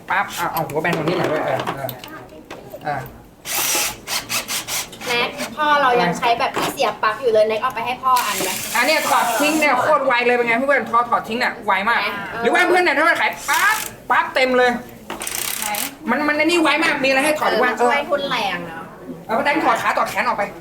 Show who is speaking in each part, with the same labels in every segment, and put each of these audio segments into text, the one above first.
Speaker 1: ปั๊บเอาหัวแบนตรงนี้หน่อยด้วย
Speaker 2: แน็กพ่อเรายังใช้แบบที่เสียบปลั๊กอยู่เลยแน็กเอาไปให้พ่ออันเลย
Speaker 1: อันนี้ถอดทิ้งเนี่ยโคตรไวเลยเป็นไงเพื่อนถอดทิ้งเนี่ยไวมากหรือว่าเพื่อนเนี่ยถ้ามันขายปั๊บเต็มเลยมันนี่ไวมากมีอะไรให้ถอดว่า
Speaker 2: ช่วยทุนแรงเนาะ
Speaker 1: เอาไปแต่งถอดขาถอดแขนออกไป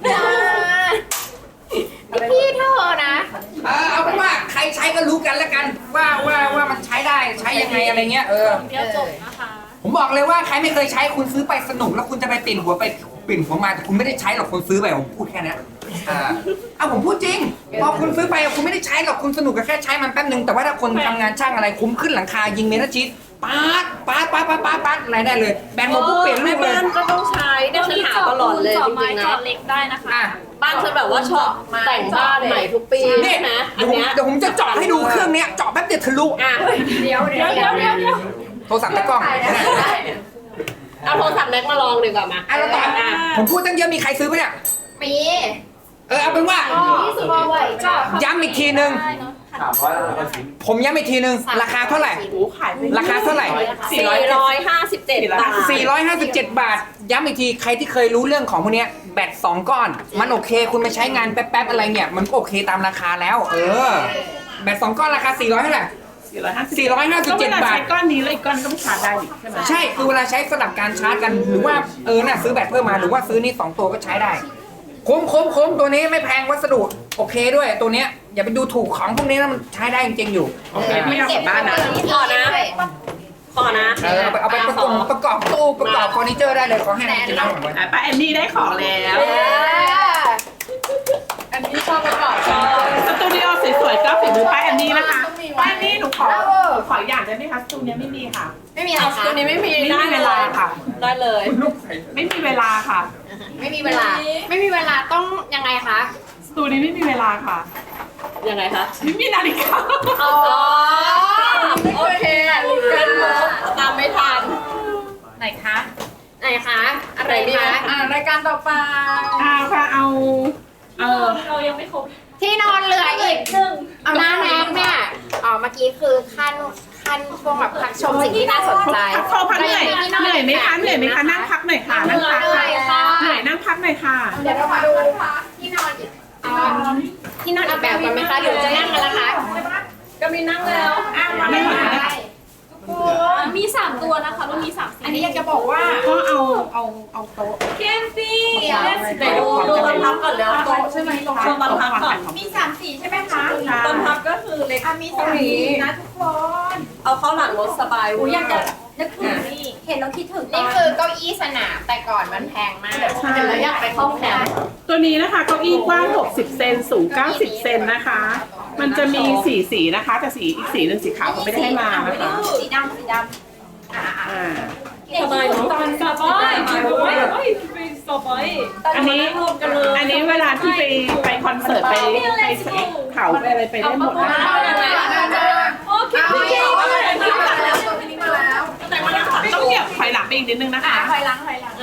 Speaker 2: พี่เธอนะ
Speaker 1: เอาเป็นว่าใครใช้ก็รู้กันแล้วกันว่ามันใช้ได้ใช้ยังไงอะไรเงี้ย
Speaker 3: เดี๋ยวจบนะคะ
Speaker 1: ผมบอกเลยว่าใครไม่เคยใช้คุณซื้อไปสนุกแล้วคุณจะไปปิ่นหัวมาแต่คุณไม่ได้ใช้หรอกคุณซื้อไปผมพูดแค่นี้ผมพูดจริงพอคุณซื้อไปคุณไม่ได้ใช้หรอกคุณสนุกกับแค่ใช้มันแป๊บนึงแต่ว่าถ้าคนทำงานช่างอะไรคุ้มขึ้นหลังคายิงเมทัลชีทป๊าดอะไรได้เลยแบนโมปุ๊บเปลี่ยนรูปเลย
Speaker 4: ก็ต้องใช้ได้ปัญหาตลอดเลยจริงๆนะ
Speaker 3: จอดเล็กได้นะคะ
Speaker 4: บ้านฉันแบบว่าชอบแต่งบ้านใหม่ทุกปี
Speaker 1: นี่
Speaker 4: นะ
Speaker 1: เดี๋ยวผมจะเจาะให้ดูเครื่องเนี้ยเจาะแป๊บเดียวทะลุ
Speaker 2: เดี๋ยว
Speaker 1: โทรศัพท์ตะกล้อง
Speaker 4: เอาโทรศัพท์แน็กมาลองดีกว่ามา
Speaker 1: แล้วต่อผมพูดตั้งเยอะมีใครซื้อไหมเนี่ย
Speaker 2: มี
Speaker 1: เอาเป็นว่าย้ำอีกทีนึงผมย้ำอีกทีนึงราคาเท่าไหร่ราคาเท่าไหร่
Speaker 4: 457 บาท
Speaker 1: 457 บาทย้ำอีกทีใครที่เคยรู้เรื่องของพวกนี้แบต2 ก้อนมันโอเคคุณไปใช้งานแป๊บๆอะไรเนี่ยมันก็โอเคตามราคาแล้วแบต2 ก้อนราคา400เท่าไหร่457 บาท
Speaker 5: ก้อนนี้เลยก้อนก็ไม่ชาร์จได้ใช่ไหม
Speaker 1: ใช่คือเวลาใช้สลับการชาร์จกันหรือว่าซื้อแบตเพิ่มมาหรือว่าซื้อนี่2 ตัวก็ใช้ได้คุ้มตัวนี้ไม่แพงวัสดุโอเคด้วยตัวเนี้ยอย่าไปดูถูกของพวกนี้นะมันใช้ได้จริงๆอยู่
Speaker 5: โอเคไม่เอากลับบ้านนะ
Speaker 4: พอนะ
Speaker 1: เอาไปประกอบตู้ประกอบเฟอร์นิเจอร์ได้เลยขอให้กินน้ำผมไว้
Speaker 5: ป้าแอนนี่ได้ของแล้ว
Speaker 2: อันนี้ชอบประกอบ
Speaker 5: สตูดิโอสวยๆก็ฝีมือป้าแอนนี่นะคะป้าแอนนี่หนูขออย่างได้ไหมคะสตูดิโอไม่มีค่ะ
Speaker 2: ไม่มีอะไรคะ
Speaker 4: ตัวนี้ไม่มี
Speaker 5: ได้เวลาค่ะ
Speaker 4: ได้เลย
Speaker 5: ไม่มีเวลาค่ะ
Speaker 2: ไม่มีเวลาต้องยังไงคะ
Speaker 5: สตูดิโอไม่มีเวลาค่ะ
Speaker 4: ยังไงคะ
Speaker 5: ไม่มีนาฬิกา
Speaker 4: โอเคเป็นมุกตามไม่ทัน
Speaker 3: ไหนคะ
Speaker 2: อะไรคะรายการต่อไป
Speaker 5: ค่ะเอา
Speaker 3: เรายังไม่ครบ
Speaker 2: ที่นอนเหลืออีกเอาหน้าแน็กเนี่ยเมื่อกี้คือขั้นช่วงแบบพักชมสิ่งที่น่าสนใจ
Speaker 5: พอพักเหนื่อยไหมคะนั่งพักหน่อยค่ะนั่งพักเหนื่อยนั่งพักหน่อยค่ะ
Speaker 2: เดี๋ยวเรามาดูที่นอนอีกที่นอนอีกแบบกันไหมคะหรือจะนั่งกันละคะ
Speaker 4: ก็มีนั่งแล้ว
Speaker 5: ไม่หมด
Speaker 3: มี3 ตัวนะคะรุ่นนี้3 สี
Speaker 2: อันนี้อยากจะบอกว่า
Speaker 5: ก็เอาโต๊ะ
Speaker 3: เคนซี่
Speaker 4: ไปดูตอนพับก่อนแล้วโต๊ะใช่ไหมตอนพับก่อน
Speaker 2: มี3 สีใช่ไหมคะ
Speaker 4: ตอนพับก็คือเล็ก
Speaker 2: มี3 สีนะทุกคน
Speaker 4: เอาเข้าหลังรถสบาย
Speaker 2: อยากจะนึกถึงนี่เห็นแล้วคิดถึงนี่คือเก้าอี้สนามแต่ก่อนมันแพงมากเห็นแล้วอยากไปเข้าแคมป์
Speaker 5: ตัวนี้นะคะเก้าอี้กว้าง60 เซนสูง90 เซนนะคะมันจะมี4 สีนะคะแต่สีอีกสีนึงสีขาวเขาไม่ได้ให้มานะคะ
Speaker 2: สีดำ
Speaker 4: สบายเนาะ
Speaker 3: สบาย
Speaker 5: อันนี้เวลาที่ไปคอนเสิร์ตไปเขาไปอะไรไปได้หมดนะคะ
Speaker 3: โอเค
Speaker 5: ต้องเหยียบถอยหลังไปอีกนิดนึงนะคะ
Speaker 2: ถอยหลัง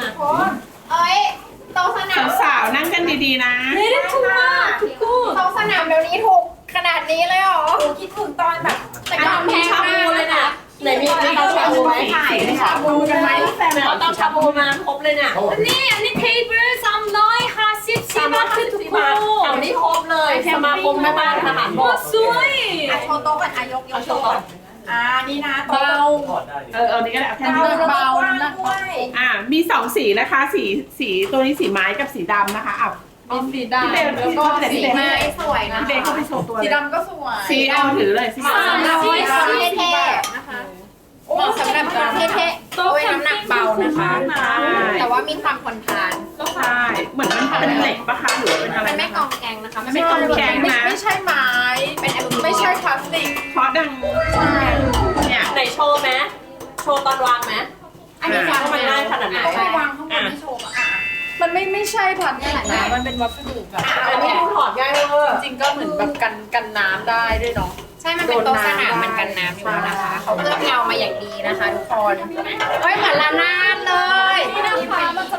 Speaker 2: โต๊ะสนาม
Speaker 5: สาวนั่งกันดีๆนะ
Speaker 2: โต๊ะสนามเดี๋ยวนี้ถูกขนาดนี้เลยเหรอคิดถึงตอนแบบแต่ก่อนแพงมาก
Speaker 4: เลยนะไหนมีเตาชาบูไหม
Speaker 2: ชาบูกันไหม
Speaker 4: เอาเตาชาบูมาครบเลยเนี่ย
Speaker 3: นี่เทเบิล350 บาททุกคน
Speaker 4: เอานี่ครบเลยสมาคมแม่บ้านทหารบก
Speaker 3: สวย
Speaker 2: โชว์โต๊ะก่อนยกโชว์ก่อนนี่นะ
Speaker 4: เบา
Speaker 5: นี่ก็ได้แค่
Speaker 2: เบาน้ำด้วย
Speaker 5: มี2 สีนะคะสีตัวนี้สีไม้กับสีดำนะคะ
Speaker 2: สีดำแล้วก็สีไม้สวยนะ
Speaker 5: เบลเข้าไปโชว์ตัว
Speaker 2: สีดำก็สวย
Speaker 5: สีเอาถือเลยสี
Speaker 2: เท่ๆนะคะเหมาะสำหรับคนเท่ๆโต๊ะน้ำหนักเบานะคะแต่ว่ามีความทนทาน
Speaker 5: ใช่เหมือนมันเป็นเหล็กปะคะหรือเป็นอะไร
Speaker 2: มันไม่กองแกงนะคะ
Speaker 5: ไม่กองแกงนะ
Speaker 2: ไม่ใช่ไม้เป็นไม่ใช่พลาสติก
Speaker 5: เพราะดัง
Speaker 4: เนี่ยไหนโชว์ไหมโชว์ตอนวางไหม
Speaker 2: อันนี้วาง
Speaker 4: มันง่ายขนาดไหน
Speaker 2: วางข้างบนไม่โชว์มันไม่ใช่พลาสติกนะมันเป็นวัสดุแบบ
Speaker 4: อันนี้ดูถอดง่ายเลย
Speaker 2: จริงก็เหมือนแบบกันน้ำได้ด้วยเนาะใช่มันเป็นโต๊ะสนามมันกันน้ำอยู่นะคะเขาเลือกเงามาอย่างดีนะคะทุกคนเหมือนละนาดเลย
Speaker 3: นี่นะคะมันจะ